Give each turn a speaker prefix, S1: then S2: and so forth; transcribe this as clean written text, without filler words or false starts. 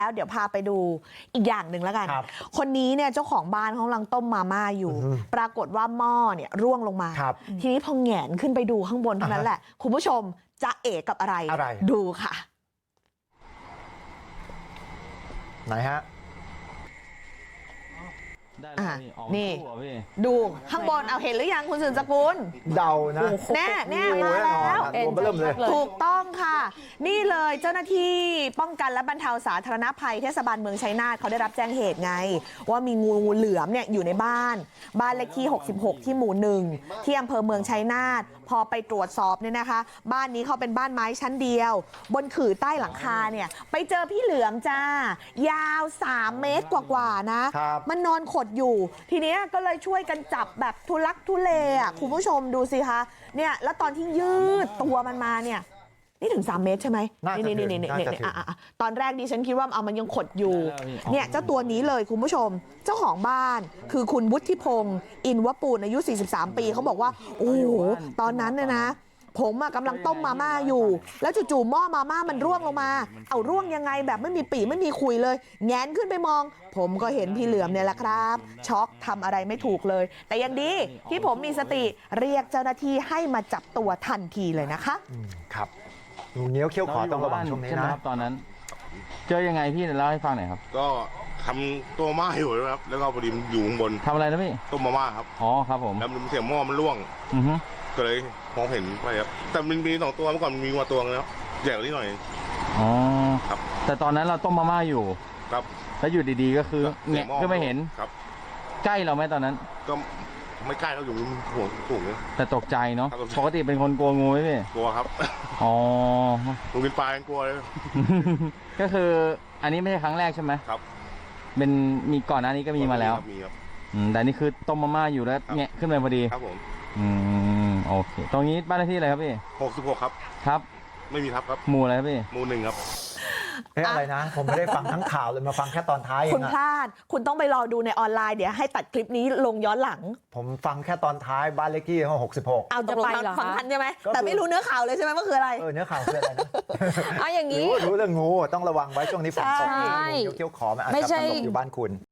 S1: แล้วเดี๋ยวพาไปดูอีกอย่างหนึ่งแล้วกัน คนนี้เนี่ยเจ้าของบ้านเขากำลังต้มมาม่าอยู่ปรากฏว่าหม้อเนี่ยร่วงลงมาทีนี้พอแหงนขึ้นไปดูข้างบนเท่านั้นแหละคุณผู้ชมจะเอกกับอะไรดูค่ะ
S2: ไหนฮะ
S1: นี่ดูข้างบนเอาเห็นหรือยังคุณสืบสกุล
S2: เดานะ
S1: แน่มาแล้วถูกต้องค่ะนี่เลยเจ้าหน้าที่ป้องกันและบรรเทาสาธารณภัยเทศบาลเมืองชัยนาทเขาได้รับแจ้งเหตุไงว่ามีงูเหลือมเนี่ยอยู่ในบ้านเลขที่66ที่หมู่1ที่อำเภอเมืองชัยนาทพอไปตรวจสอบเนี่ยนะคะบ้านนี้เขาเป็นบ้านไม้ชั้นเดียวบนขื่อใต้หลังคาเนี่ยไปเจอพี่เหลือมจ้ายาว3 เมตรกว่าๆนะมันนอนขดอยู่ทีนี้ก็เลยช่วยกันจับแบบทุลักทุเลอ่ะคุณผู้ชมดูสิคะเนี่ยแล้วตอนที่ยืดตัวมันมาเนี่ยนี่ถึง3 เมตรใช่ไหมนี่ตอนแรกดิฉันคิดว่ามันยังขดอยู่เนี่ยเจ้าตัวนี้เลยคุณผู้ชมเจ้าของบ้านคือคุณวุฒิพงศ์อินวปูนอายุ43 ปีเขาบอกว่าโอ้โหตอนนั้นเนี่ยนะผมกำลังต้มมาม่าอยู่แล้วจู่ๆหม้อมาม่ามันร่วงลงมาเอาร่วงยังไงแบบไม่มีปีไม่มีคุยเลยแงนขึ้นไปมองผมก็เห็นพี่เหลือมเนี่ยแหละครับช็อกทำอะไรไม่ถูกเลยแต่ยังดีที่ผมมีสติเรียกเจ้าหน้าที่ให้มาจับตัวทันทีเลยนะคะ
S2: ครับงูเงี้ยวเขี้ยวขอต้องระวังช่วงนี้นะ
S3: ตอนนั้นเจอยังไงพี่เล่าให้ฟังหน่อยครับ
S4: ก็ทำตัวม่าอยู่นะครับแล้วก็พอดีมันอยู่ข้างบน
S3: ทำอะไรนะพี่
S4: ต้มมาม่าครับ
S3: อ๋อครับผม
S4: แล้วมันเสียงหม้อมันร่วงก็เลยมองเห็นไปครับแต่มันมี2 ตัวเมื่อก่อนมันมีมาตัวนึงแล้วใหญ่กว่านี้หน่อย
S3: อ๋อ
S4: ครับ
S3: แต่ตอนนั้นเราต้มมาม่าอยู่
S4: ครับ
S3: แล้วอยู่ดีๆก็คือเนี่ยก็ไม่เห็น
S4: ครับ
S3: ใกล้เราไหมตอนนั้น
S4: ก็ไม่ใกล้เราอยู่ห่วงสูงเลย
S3: แต่ตกใจเนาะปกติเป็นคนกลัวงูไหมพี่
S4: กลัวครับ
S3: อ๋อ
S4: งูกินปลายังกลัวเลย
S3: ก็คืออันนี้ไม่ใช่ครั้งแรกใช่ไหม
S4: ครับ
S3: เป็นมีก่อนหน้านี้ก็มีมาแล้ว
S4: มีครับ
S3: แต่นี่คือต้มมาม่าอยู่แล้วแงะขึ้นมาพอดี
S4: ครับผม
S3: โอเคตรงนี้บ้านเลขที่อะไรครับพี่
S4: 66ครับ
S3: ครับ
S4: ไม่มีทับครับ
S3: หมู่อะไรครับพี่
S4: หมู่1ครับ
S2: อะไรนะผมไม่ได้ฟังทั้งข่าวเลยมาฟังแค่ตอนท้าย
S1: คุณพลาดคุณต้องไปรอดูในออนไลน์เดี๋ยวให้ตัดคลิปนี้ลงย้อนหลัง
S2: ผมฟังแค่ตอนท้ายบ้านเลขที่66
S1: เอาจะไปฟังทันใช่ไหมแต่ไม่รู้เนื้อข่าวเลยใช่ไหมว่าคืออะไร
S2: เนื้อข่าวคืออะไรนะ
S1: เอาอย่างนี้
S2: รู้เรื่องงูต้องระวังไว้ช่วงนี้ฝนตกงูเขี้ยวขอมันอาจจะตลบอยู่บ้านคุณ